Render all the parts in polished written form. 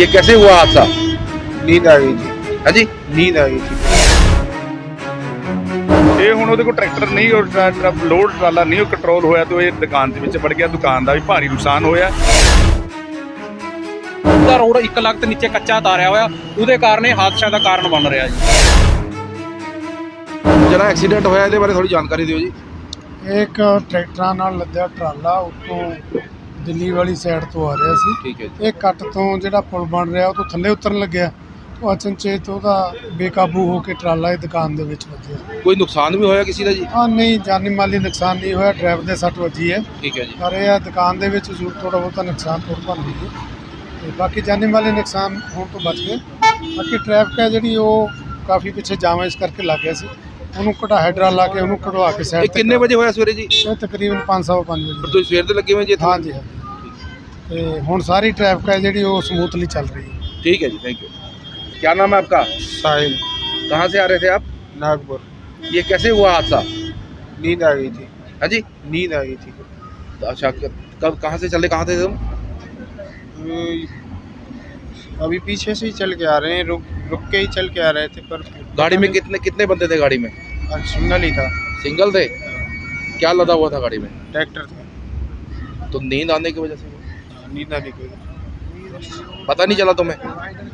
ये कैसे हुआ हादसा? नींद आ गई थी। हाँ जी, नींद आ गई थी। ਇਹ ਹੁਣ ਉਹਦੇ ਕੋਲ ਟਰੈਕਟਰ ਨਹੀਂ ਔਰ ਲੋਡ ਟਰਾਲਾ ਨਹੀਂ ਉਹ ਕੰਟਰੋਲ ਹੋਇਆ ਤੇ ਇਹ ਦੁਕਾਨ ਦੇ ਵਿੱਚ ਵੜ ਗਿਆ। ਦੁਕਾਨ ਦਾ ਵੀ ਭਾਰੀ ਨੁਕਸਾਨ ਹੋਇਆ। ਉਹਦਾ ਰੋਡ 1 ਲੱਖ ਤੇ ਨੀਚੇ ਕੱਚਾ ਤਾਰਿਆ ਹੋਇਆ, ਉਹਦੇ ਕਾਰਨ ਇਹ ਹਾਦਸਿਆਂ ਦਾ ਕਾਰਨ ਬਣ ਰਿਹਾ ਜੀ। ਜਿਹੜਾ ਐਕਸੀਡੈਂਟ ਹੋਇਆ ਇਹਦੇ ਬਾਰੇ ਥੋੜੀ ਜਾਣਕਾਰੀ ਦਿਓ ਜੀ। ਇੱਕ ਟਰੈਕਟਰਾਂ ਨਾਲ ਲੱਦਿਆ ਟਰਾਲਾ ਉੱਤੋਂ ਦਿੱਲੀ ਵਾਲੀ ਸਾਈਡ ਤੋਂ ਆ ਰਿਹਾ ਸੀ। ਠੀਕ ਹੈ ਜੀ। ਇਹ ਕੱਟ ਤੋਂ ਜਿਹੜਾ ਪੁਲ ਬਣ ਰਿਹਾ ਉਹ ਤੋਂ ਥੱਲੇ ਉਤਰਨ ਲੱਗਿਆ। ਉਹ ਅਚਨਚੇਤ ਉਹਦਾ ਬੇਕਾਬੂ ਹੋ ਕੇ ਟਰਾਲਾ ਇਹ ਦੁਕਾਨ ਦੇ ਵਿੱਚ ਵੱਜਿਆ। ਕੋਈ ਨੁਕਸਾਨ ਵੀ ਹੋਇਆ ਕਿਸੇ ਦਾ ਜੀ? ਹਾਂ, ਨਹੀਂ ਜਾਨੀ ਮਾਲੀ ਨੁਕਸਾਨ ਨਹੀਂ ਹੋਇਆ। ਡਰਾਈਵਰ ਦੇ ਸੱਟ ਵੱਜੀ ਹੈ, ਠੀਕ ਹੈ ਜੀ। ਪਰ ਇਹ ਦੁਕਾਨ ਦੇ ਵਿੱਚ ਜ਼ਰੂਰ ਥੋੜ੍ਹਾ ਬਹੁਤਾ ਨੁਕਸਾਨ ਬਣ ਗਈ ਹੈ ਤੇ ਬਾਕੀ ਜਾਨੀ ਮਾਲੀ ਨੁਕਸਾਨ ਹੋਣ ਤੋਂ ਬਚ ਗਏ। ਬਾਕੀ ਟ੍ਰੈਫਿਕ ਹੈ ਜਿਹੜੀ ਉਹ ਕਾਫੀ ਪਿੱਛੇ ਜਾਮ ਇਸ ਕਰਕੇ ਲੱਗ ਗਿਆ ਸੀ। ਉਹਨੂੰ ਹਾਈਡਰਾ ਲਾ ਕੇ ਉਹਨੂੰ ਕਢਵਾ ਕੇ ਇਹ ਸਾਈਡ ਤੇ ਕਿੰਨੇ ਵਜੇ ਹੋਇਆ ਸਵੇਰੇ ਜੀ? ਇਹ ਤਕਰੀਬਨ 5:05 ਪਰ ਵਜੇ। ਤੁਸੀਂ ਸਵੇਰ ਤੇ ਲੱਗੇ ਹੋਏ ਜੀ ਇੱਥੇ? हाँ जी हाँ। ਤੇ ਹੁਣ ਸਾਰੀ ਟ੍ਰੈਫਿਕ ਹੈ ਜਿਹੜੀ ਉਹ ਸਮੂਥਲੀ ਚੱਲ ਰਹੀ ਹੈ। ठीक है जी, थैंक यू। क्या नाम है आपका? साहिल, कहाँ से आ रहे थे आप? नागपुर। ये कैसे हुआ हादसा? नींद आ गई थी। हाँ जी, नींद आ गई थी। अच्छा कब कहाँ से चले, कहाँ थे तुम? अभी पीछे से ही चल के आ रहे हैं, रुक के ही चल के आ रहे थे। पर गाड़ी में कितने बंदे थे गाड़ी में? सिंगल ही था। सिंगल थे? क्या लदा हुआ था गाड़ी में? ट्रैक्टर था। तो नींद आने की वजह से नींद आने की पता नहीं चला तुम्हें?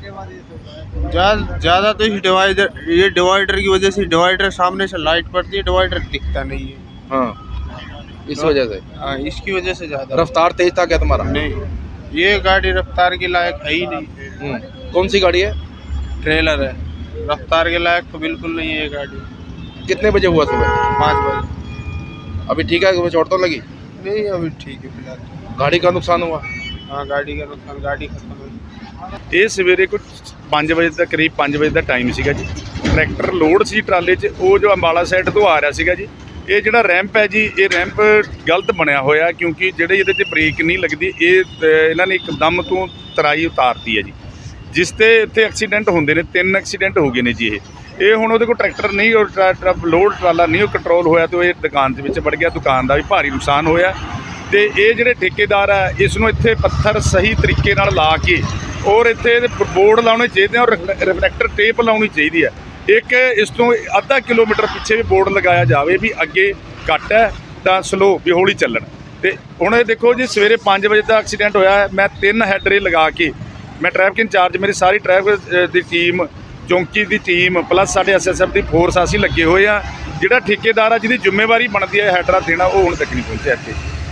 ज़्यादा तो इस डिवाइडर की वजह से, डिवाइडर सामने से लाइट पड़ती है, डिवाइडर दिखता नहीं है। हाँ, इस वजह से। हाँ, इसकी वजह से ज़्यादा। रफ्तार तेज था क्या तुम्हारा? नहीं, ये गाड़ी रफ्तार के लायक है ही नहीं। कौन सी गाड़ी है? ट्रेलर है, रफ्तार के लायक तो बिल्कुल नहीं है ये गाड़ी। कितने बजे हुआ सुबह? 5 बजे। अभी ठीक है, तुम्हें चोट तो लगी? नहीं, अभी ठीक है फिलहाल। गाड़ी का नुकसान हुआ? हाँ, गाड़ी का नुकसान, गाड़ी खत्म हुई। ਇਹ ਸਵੇਰੇ ਕੋਈ 5 ਵਜੇ ਦਾ ਕਰੀਬ 5 ਵਜੇ ਦਾ ਟਾਈਮ ਸੀਗਾ ਜੀ। ਟਰੈਕਟਰ ਲੋਡ ਸੀ ਟਰਾਲੇ 'ਚ, ਉਹ ਜੋ ਅੰਬਾਲਾ ਸਾਈਡ ਤੋਂ ਆ ਰਿਹਾ ਸੀਗਾ ਜੀ। ਇਹ ਜਿਹੜਾ ਰੈਂਪ ਹੈ ਜੀ, ਇਹ ਰੈਂਪ ਗਲਤ ਬਣਿਆ ਹੋਇਆ ਕਿਉਂਕਿ ਜਿਹੜੇ ਇਹਦੇ 'ਤੇ ਬ੍ਰੇਕ ਨਹੀਂ ਲੱਗਦੀ। ਇਹ ਇਹਨਾਂ ਨੇ ਇੱਕਦਮ ਤੋਂ ਤਰਾਈ ਉਤਾਰਤੀ ਹੈ ਜੀ, ਜਿਸ ਤੇ ਇੱਥੇ ਐਕਸੀਡੈਂਟ ਹੁੰਦੇ ਨੇ। 3 ਐਕਸੀਡੈਂਟ ਹੋ ਗਏ ਨੇ ਜੀ। ਇਹ ਹੁਣ ਉਹਦੇ ਕੋਲ ਟਰੈਕਟਰ ਨਹੀਂ ਔਰ ਲੋਡ ਟਰਾਲਾ ਨਹੀਂ ਉਹ ਕੰਟਰੋਲ ਹੋਇਆ ਤੇ ਇਹ ਦੁਕਾਨ ਦੇ ਵਿੱਚ ਵੜ ਗਿਆ। ਦੁਕਾਨ ਦਾ ਵੀ ਭਾਰੀ ਨੁਕਸਾਨ ਹੋਇਆ ਤੇ ਇਹ ਜਿਹੜੇ ਠੇਕੇਦਾਰ ਆ ਇਸ ਨੂੰ ਇੱਥੇ ਪੱਥਰ ਸਹੀ ਤਰੀਕੇ ਨਾਲ ਲਾ ਕੇ ਔਰ ਇੱਥੇ ਬੋਰਡ ਲਾਉਣੇ ਚਾਹੀਦੇ ਔਰ ਰਿਫਲੈਕਟਰ ਟੇਪ ਲਾਉਣੀ ਚਾਹੀਦੀ ਹੈ। ਇੱਕ ਇਸ ਤੋਂ ਅੱਧਾ ਕਿਲੋਮੀਟਰ ਪਿੱਛੇ ਵੀ ਬੋਰਡ ਲਗਾਇਆ ਜਾਵੇ ਵੀ ਅੱਗੇ ਕੱਟ ਹੈ ਤਾਂ ਸਲੋ ਵੀ ਹੌਲੀ ਚੱਲਣ। ਤੇ ਹੁਣ ਇਹ ਦੇਖੋ ਜੀ, ਸਵੇਰੇ 5 ਵਜੇ ਦਾ ਐਕਸੀਡੈਂਟ ਹੋਇਆ। ਮੈਂ 3 ਹੈਡਰੇ ਲਗਾ ਕੇ, ਮੈਂ ਟ੍ਰੈਫਿਕ ਇੰਚਾਰਜ, ਮੇਰੀ ਸਾਰੀ ਟ੍ਰੈਫਿਕ ਦੀ ਟੀਮ, ਚੌਂਕੀ ਦੀ ਟੀਮ ਪਲੱਸ ਸਾਡੇ SSF ਦੀ ਫੋਰਸ ਅਸੀਂ ਲੱਗੇ ਹੋਏ ਆ। ਜਿਹੜਾ ਠੇਕੇਦਾਰ ਆ ਜਿਹਦੀ ਜ਼ਿੰਮੇਵਾਰੀ ਬਣਦੀ ਹੈ ਹੈਡਰਾ ਦੇਣਾ, ਉਹ ਹੁਣ ਤੱਕ ਨਹੀਂ ਪਹੁੰਚਿਆ ਇੱਥੇ।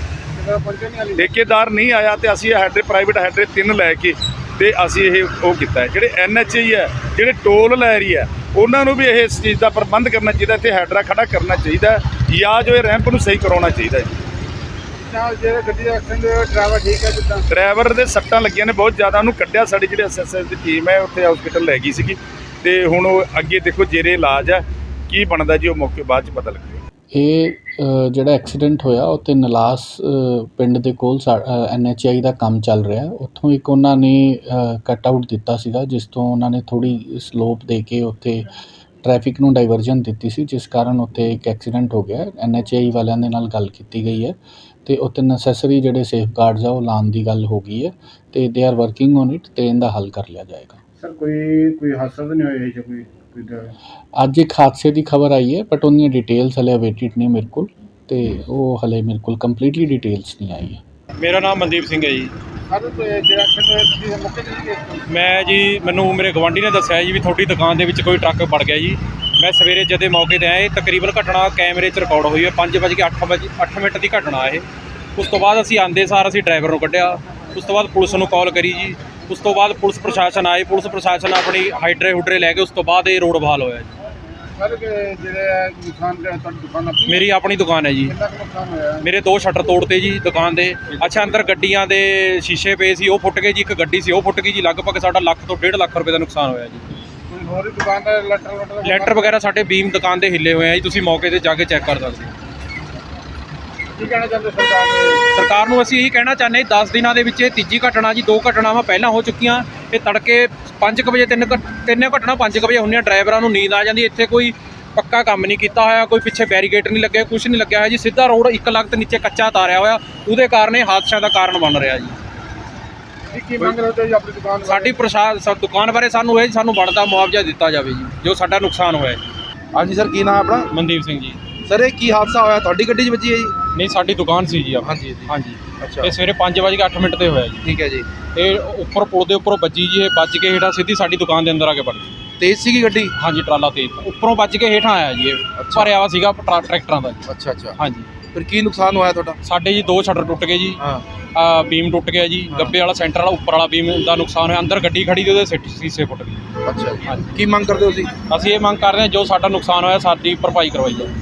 ਠੇਕੇਦਾਰ ਨਹੀਂ ਆਇਆ ਤੇ ਅਸੀਂ ਹੈਡਰੇ, ਪ੍ਰਾਈਵੇਟ ਹੈਡਰੇ 3 ਲੈ ਕੇ ਤੇ ਅਸੀਂ ਇਹ ਉਹ ਕੀਤਾ ਹੈ। ਜਿਹੜੇ NHA ਹੈ, ਜਿਹੜੇ ਟੋਲ ਲੈ ਰਹੀ ਹੈ, ਉਹਨਾਂ ਨੂੰ ਵੀ ਇਹ ਇਸ ਚੀਜ਼ ਦਾ ਪ੍ਰਬੰਧ ਕਰਨਾ ਚਾਹੀਦਾ। ਇੱਥੇ ਹੈਡਰਾ ਖੜਾ ਕਰਨਾ ਚਾਹੀਦਾ ਜਾਂ ਜੋ ਇਹ ਰੈਂਪ ਨੂੰ ਸਹੀ ਕਰਾਉਣਾ ਚਾਹੀਦਾ ਜੀ। ਜਿਹੜੇ ਗੱਡੀ ਦਾ ਐਕਸੀਡੈਂਟ ਹੋਇਆ, ਡਰਾਈਵਰ ਠੀਕ ਹੈ? ਜਿੱਦਾਂ ਡਰਾਈਵਰ ਦੇ ਸੱਟਾਂ ਲੱਗੀਆਂ ਨੇ ਬਹੁਤ ਜ਼ਿਆਦਾ, ਉਹਨੂੰ ਕੱਢਿਆ। ਸਾਡੀ ਜਿਹੜੀ SSF ਦੀ ਟੀਮ ਹੈ ਉੱਥੇ ਹਸਪੀਟਲ ਲੈ ਗਈ ਸੀਗੀ ਤੇ ਹੁਣ ਉਹ ਅੱਗੇ ਦੇਖੋ ਜੇਰੇ ਇਲਾਜ ਹੈ। ਕੀ ਬਣਦਾ ਜੀ ਉਹ ਮੌਕੇ ਬਾਅਦ 'ਚ ਪਤਾ ਲੱਗੇਗਾ। ਇਹ ਜਿਹੜਾ ਐਕਸੀਡੈਂਟ ਹੋਇਆ ਉਹ 'ਤੇ ਨਲਾਸ ਪਿੰਡ ਦੇ ਕੋਲ NHI ਦਾ ਕੰਮ ਚੱਲ ਰਿਹਾ। ਉੱਥੋਂ ਇੱਕ ਉਹਨਾਂ ਨੇ ਕੱਟ ਆਊਟ ਦਿੱਤਾ ਸੀਗਾ, ਜਿਸ ਤੋਂ ਉਹਨਾਂ ਨੇ ਥੋੜ੍ਹੀ ਸਲੋਪ ਦੇ ਕੇ ਉੱਥੇ ਟ੍ਰੈਫਿਕ ਨੂੰ ਡਾਈਵਰਜਨ ਦਿੱਤੀ ਸੀ, ਜਿਸ ਕਾਰਨ ਉੱਥੇ ਇੱਕ ਐਕਸੀਡੈਂਟ ਹੋ ਗਿਆ। NHI ਵਾਲਿਆਂ ਦੇ ਨਾਲ ਗੱਲ ਕੀਤੀ ਗਈ ਹੈ ਅਤੇ ਉੱਥੇ ਨੈਸੈਸਰੀ ਜਿਹੜੇ ਸੇਫ ਗਾਰਡਸ ਆ ਉਹ ਲਾਉਣ ਦੀ ਗੱਲ ਹੋ ਗਈ ਹੈ ਅਤੇ they are working on it ਅਤੇ ਇਹਦਾ ਹੱਲ ਕਰ ਲਿਆ ਜਾਏਗਾ। ਸਰ ਕੋਈ ਹਾਦਸਾ ਤਾਂ ਨਹੀਂ ਹੋਇਆ ਜਾਂ ਕੋਈ ਅੱਜ ਇੱਕ ਹਾਦਸੇ ਦੀ ਖਬਰ ਆਈ ਹੈ, ਬਟ ਉਹਦੀਆਂ ਡਿਟੇਲਸ ਹਲੇ ਅਵੇਟਿਡ ਨੇ ਮੇਰੇ ਕੋਲ, ਅਤੇ ਉਹ ਹਲੇ ਮੇਰੇ ਕੋਲ ਕੰਪਲੀਟਲੀ ਡਿਟੇਲਸ ਨਹੀਂ ਆਈ ਹੈ। ਮੇਰਾ ਨਾਮ ਮਨਦੀਪ ਸਿੰਘ ਹੈ ਜੀ। ਜਿਹੜਾ ਐਕਸੀਡੈਂਟ ਮੌਕੇ ਤੇ ਮੈਂ ਜੀ, ਮੈਨੂੰ ਮੇਰੇ ਗਵਾਂਢੀ ਨੇ ਦੱਸਿਆ ਜੀ ਵੀ ਤੁਹਾਡੀ ਦੁਕਾਨ ਦੇ ਵਿੱਚ ਕੋਈ ਟਰੱਕ ਵੜ ਗਿਆ ਜੀ। ਮੈਂ ਸਵੇਰੇ ਜਦੋਂ ਮੌਕੇ 'ਤੇ ਆਇਆ, ਇਹ ਤਕਰੀਬਨ ਘਟਨਾ ਕੈਮਰੇ 'ਚ ਰਿਕਾਰਡ ਹੋਈ ਹੈ। 5:08 ਮਿੰਟ ਦੀ ਘਟਨਾ ਇਹ। ਉਸ ਤੋਂ ਬਾਅਦ ਅਸੀਂ ਆਉਂਦੇ ਸਾਰ ਅਸੀਂ ਡਰਾਈਵਰ ਨੂੰ ਕੱਢਿਆ। ਉਸ ਤੋਂ ਬਾਅਦ ਪੁਲਿਸ ਨੂੰ ਕਾਲ ਕਰੀ ਜੀ। ਉਸ ਤੋਂ ਬਾਅਦ ਪੁਲਿਸ ਪ੍ਰਸ਼ਾਸਨ ਆਏ। ਪੁਲਿਸ ਪ੍ਰਸ਼ਾਸਨ ਆਪਣੀ ਹਾਈਡਰੇ ਲੈ ਕੇ ਉਸ ਤੋਂ ਬਾਅਦ ਇਹ ਰੋਡ ਬਹਾਲ ਹੋਇਆ ਜੀ। ਸਰ ਜਿਹੜੇ ਨੁਕਸਾਨ ਤੁਹਾਡੀ ਦੁਕਾਨ ਆਪਣੀ? ਮੇਰੀ ਆਪਣੀ ਦੁਕਾਨ ਹੈ ਜੀ। ਕਿੰਨਾ ਕੁ ਨੁਕਸਾਨ ਹੋਇਆ? ਮੇਰੇ 2 ਸ਼ਟਰ ਤੋੜਤੇ ਜੀ ਦੁਕਾਨ ਦੇ। ਅੱਛਾ, ਅੰਦਰ ਗੱਡੀਆਂ ਦੇ ਸ਼ੀਸ਼ੇ ਪਏ ਸੀ, ਉਹ ਫੁੱਟ ਗਏ ਜੀ। ਇੱਕ ਗੱਡੀ ਸੀ ਉਹ ਫੁੱਟ ਗਈ ਜੀ। ਲਗਭਗ ਸਾਡਾ ਲੱਖ ਤੋਂ 1.5 ਲੱਖ ਰੁਪਏ ਦਾ ਨੁਕਸਾਨ ਹੋਇਆ ਜੀ। ਕੋਈ ਹੋਰ ਦੁਕਾਨ ਦਾ ਲੈਟਰ ਵਗੈਰਾ ਸਾਡੇ ਬੀਮ ਦੁਕਾਨ ਦੇ ਹਿੱਲੇ ਹੋਏ ਆ ਜੀ। ਤੁਸੀਂ ਮੌਕੇ 'ਤੇ ਜਾ ਕੇ ਚੈੱਕ ਕਰ ਸਕਦੇ ਹੋ। ਕੀ ਕਹਿਣਾ ਚਾਹੁੰਦੇ ਸਰਕਾਰ ਨੂੰ? ਸਰਕਾਰ ਨੂੰ ਅਸੀਂ ਇਹੀ ਕਹਿਣਾ ਚਾਹੁੰਦੇ 10 ਦਿਨਾਂ ਦੇ ਵਿੱਚ ਇਹ ਤੀਜੀ ਘਟਨਾ ਜੀ। 2 ਘਟਨਾਵਾਂ ਪਹਿਲਾਂ ਹੋ ਚੁੱਕੀਆਂ। ਇਹ ਤੜਕੇ 5 ਵਜੇ 3 ਘਟਨਾ 5 ਵਜੇ ਹੁੰਦੀਆਂ। ਡਰਾਈਵਰਾਂ ਨੂੰ ਨੀਂਦ ਆ ਜਾਂਦੀ। ਇੱਥੇ ਕੋਈ ਪੱਕਾ ਕੰਮ ਨਹੀਂ ਕੀਤਾ ਹੋਇਆ, ਕੋਈ ਪਿੱਛੇ ਬੈਰੀਕੇਡ ਨਹੀਂ ਲੱਗਿਆ, ਕੁਝ ਨਹੀਂ ਲੱਗਿਆ ਹੋਇਆ ਜੀ। ਸਿੱਧਾ ਰੋਡ 1 ਲੱਖ ਤੇ ਨੀਚੇ ਕੱਚਾ ਤਾਰਿਆ ਹੋਇਆ, ਉਹਦੇ ਕਾਰਨ ਇਹ ਹਾਦਸਿਆਂ ਦਾ ਕਾਰਨ ਬਣ ਰਿਹਾ ਜੀ। ਕੀ ਮੰਗ ਰਹੇ ਹੋ ਜੀ ਆਪਣੀ ਦੁਕਾਨ ਸਾਡੀ ਦੁਕਾਨ ਬਾਰੇ ਸਾਨੂੰ ਇਹ ਸਾਨੂੰ ਬਣਦਾ ਮੁਆਵਜ਼ਾ ਦਿੱਤਾ ਜਾਵੇ ਜੀ ਜੋ ਸਾਡਾ ਨੁਕਸਾਨ ਹੋਇਆ ਹੈ। ਹਾਂਜੀ ਸਰ, ਕੀ ਨਾਮ ਹੈ ਆਪਣਾ? ਮਨਦੀਪ ਸਿੰਘ ਜੀ। ਸਰ ਇਹ ਕੀ ਹਾਦਸਾ ਹੋਇਆ, ਤੁਹਾਡੀ ਗੱਡੀ 'ਚ ਵੱਜੀ ਹੈ ਜੀ? ਨਹੀਂ, ਸਾਡੀ ਦੁਕਾਨ ਸੀ ਜੀ ਆਪਣੀ। ਹਾਂਜੀ ਜੀ। ਹਾਂਜੀ, ਅੱਛਾ, ਇਹ ਸਵੇਰੇ 5:08 ਤੇ ਹੋਇਆ ਜੀ। ਠੀਕ ਹੈ ਜੀ। ਇਹ ਉੱਪਰ ਪੁਲ ਦੇ ਉੱਪਰੋਂ ਵੱਜੀ ਜੀ, ਇਹ ਵੱਜ ਕੇ ਹੇਠਾਂ ਸਿੱਧੀ ਸਾਡੀ ਦੁਕਾਨ ਦੇ ਅੰਦਰ ਆ ਕੇ ਵੜ ਗਈ। ਤੇਜ਼ ਸੀਗੀ ਗੱਡੀ? ਹਾਂਜੀ, ਟਰਾਲਾ ਤੇਜ਼ ਉੱਪਰੋਂ ਵੱਜ ਕੇ ਹੇਠਾਂ ਆਇਆ ਜੀ। ਇਹ ਅੱਛਾ। ਭਰਿਆ ਵਾ ਸੀਗਾ ਟਰੈਕਟਰਾਂ ਦਾ ਜੀ। ਅੱਛਾ ਅੱਛਾ, ਹਾਂਜੀ, ਫਿਰ ਕੀ ਨੁਕਸਾਨ ਹੋਇਆ ਤੁਹਾਡਾ? ਸਾਡੇ ਜੀ 2 ਸ਼ਟਰ ਟੁੱਟ ਗਏ ਜੀ। ਹਾਂ, ਬੀਮ ਟੁੱਟ ਗਿਆ ਜੀ। ਹਾਂ। ਗੱਬੇ ਵਾਲਾ ਸੈਂਟਰ ਵਾਲਾ ਉੱਪਰ ਵਾਲਾ ਬੀਮ ਦਾ ਨੁਕਸਾਨ ਹੋਇਆ। ਅੰਦਰ ਗੱਡੀ ਖੜੀ ਤੇ ਉਹਦੇ ਸੀਸੇ ਫੁੱਟ ਗਏ। ਅੱਛਾ ਜੀ। ਹਾਂਜੀ। ਕੀ ਮੰਗ ਕਰਦੇ ਹੋ ਤੁਸੀਂ? ਅਸੀਂ ਇਹ ਮੰਗ ਕਰਦੇ ਹਾਂ ਜੋ ਸਾਡਾ ਨੁਕਸਾਨ ਹੋਇਆ ਸਾਡੀ ਭਰਪਾਈ ਕਰਵਾਈ ਜਾਵੇ।